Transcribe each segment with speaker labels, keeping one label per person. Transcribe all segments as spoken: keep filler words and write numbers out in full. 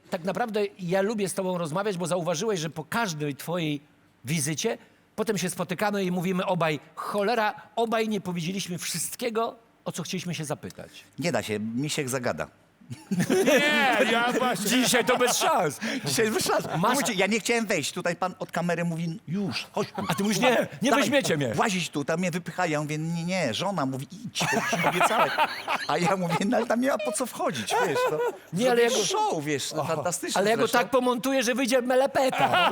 Speaker 1: tak naprawdę ja lubię z tobą rozmawiać, bo zauważyłeś, że po każdej twojej wizycie potem się spotykamy i mówimy obaj, cholera, obaj nie powiedzieliśmy wszystkiego, o co chcieliśmy się zapytać.
Speaker 2: Nie da się, misiek zagada.
Speaker 3: Nie, ja właśnie...
Speaker 1: Dzisiaj to bez szans.
Speaker 2: Dzisiaj wyszedł.
Speaker 1: Masz-
Speaker 2: Mówicie, ja nie chciałem wejść. Tutaj pan od kamery mówi, już, chodź tu.
Speaker 1: A ty mówisz, nie, nie
Speaker 2: Dawaj,
Speaker 1: weźmiecie mnie.
Speaker 2: Łazić tu, tam mnie wypychają. Ja mówię, nie, nie, żona mówi, idź, to już obiecałem. A ja mówię, no ale tam nie ma po co wchodzić, wiesz. No.
Speaker 1: Nie, ale ja go-
Speaker 2: Show, wiesz, no, fantastyczny
Speaker 1: Ale ja go
Speaker 2: zresztą.
Speaker 1: tak pomontuję, że wyjdzie melepeta.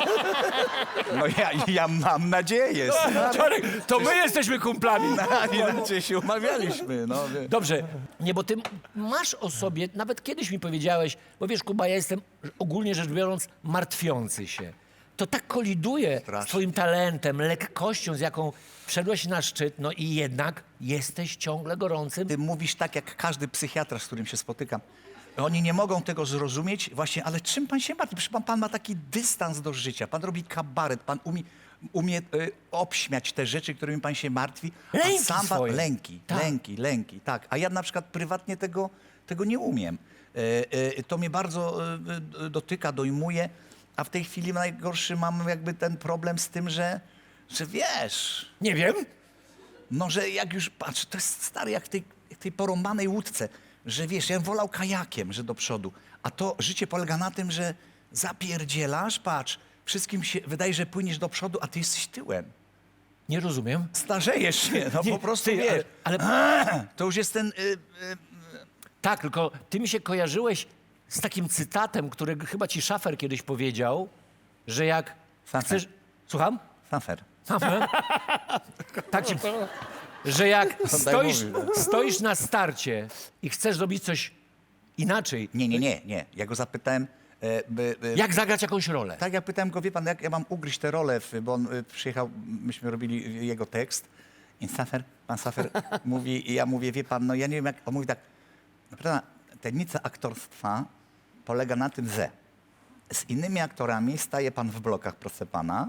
Speaker 2: No ja, ja mam nadzieję.
Speaker 1: Czarek, to my jesteśmy kumplami.
Speaker 2: Inaczej się umawialiśmy, no. wie-
Speaker 1: Dobrze, nie, bo ty masz o sobie, nawet kiedyś mi powiedziałeś, bo wiesz, Kuba, ja jestem ogólnie rzecz biorąc martwiący się. To tak koliduje z
Speaker 2: Strasznie.
Speaker 1: twoim talentem, lekkością, z jaką wszedłeś na szczyt, no i jednak jesteś ciągle gorącym.
Speaker 2: Ty mówisz tak, jak każdy psychiatra, z którym się spotykam. Oni nie mogą tego zrozumieć właśnie, ale czym pan się martwi? Przecież pan, pan ma taki dystans do życia. Pan robi kabaret, pan umie, umie y, obśmiać te rzeczy, którymi pan się martwi. a
Speaker 1: Lęki
Speaker 2: sam pan,
Speaker 1: swoje.
Speaker 2: Lęki,
Speaker 1: Tak.
Speaker 2: lęki, lęki, tak. A ja na przykład prywatnie tego, tego nie umiem. Y, y, to mnie bardzo y, y, dotyka, dojmuje. A w tej chwili najgorszy mam jakby ten problem z tym, że, że wiesz...
Speaker 1: Nie wiem.
Speaker 2: No, że jak już, patrz, to jest stary jak w tej, jak tej porąbanej łódce, że wiesz, ja bym wolał kajakiem, że do przodu, a to życie polega na tym, że zapierdzielasz, patrz, wszystkim się wydaje, że płyniesz do przodu, a ty jesteś tyłem.
Speaker 1: Nie rozumiem.
Speaker 2: Starzejesz się, no
Speaker 1: Nie,
Speaker 2: po prostu
Speaker 1: ty,
Speaker 2: wiesz.
Speaker 1: ale- ale-
Speaker 2: To już jest ten, y, y,
Speaker 1: Tak, tylko ty mi się kojarzyłeś z takim cytatem, który chyba ci Szafer kiedyś powiedział, że jak
Speaker 2: Szafer.
Speaker 1: chcesz... Słucham?
Speaker 2: fafer.
Speaker 1: Szafer? Tak ci... Że jak stoisz,
Speaker 2: mówił,
Speaker 1: stoisz na starcie i chcesz zrobić coś inaczej,
Speaker 2: Nie, nie, nie, nie, ja go zapytałem, e, by, by,
Speaker 1: jak zagrać jakąś rolę?
Speaker 2: tak jak pytałem go, wie pan, jak ja mam ugryźć tę rolę, w, bo on y, przyjechał, myśmy robili jego tekst i Safer, pan Safer mówi, i ja mówię, wie pan, no ja nie wiem jak, on mówi tak, naprawdę tajemnica aktorstwa polega na tym, że z innymi aktorami staje pan w blokach, proszę pana,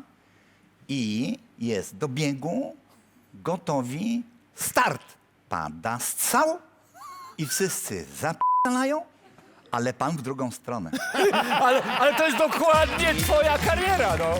Speaker 2: i jest do biegu, gotowi, start. Pada strzał i wszyscy zapalają, ale pan w drugą stronę.
Speaker 1: Ale, ale to jest dokładnie twoja kariera, no.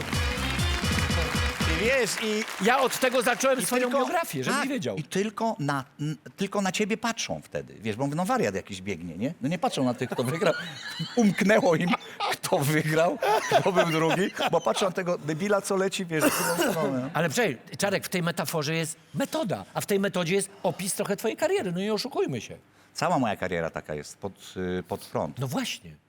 Speaker 2: I wiesz, i
Speaker 1: Ja od tego zacząłem swoją
Speaker 2: tylko-
Speaker 1: biografię, żebyś
Speaker 2: tak,
Speaker 1: wiedział.
Speaker 2: I tylko na, n, tylko na ciebie patrzą wtedy. Wiesz, bo no wariat jakiś biegnie, nie? No nie patrzą na tych, kto wygrał. Umknęło im, kto wygrał, kto był drugi, bo patrzą na tego debila, co leci, wiesz, w drugą stronę.
Speaker 1: Ale przecież, Czarek, w tej metaforze jest metoda, a w tej metodzie jest opis trochę twojej kariery, no i oszukujmy się.
Speaker 2: Cała moja kariera taka jest pod, y, pod front.
Speaker 1: No właśnie.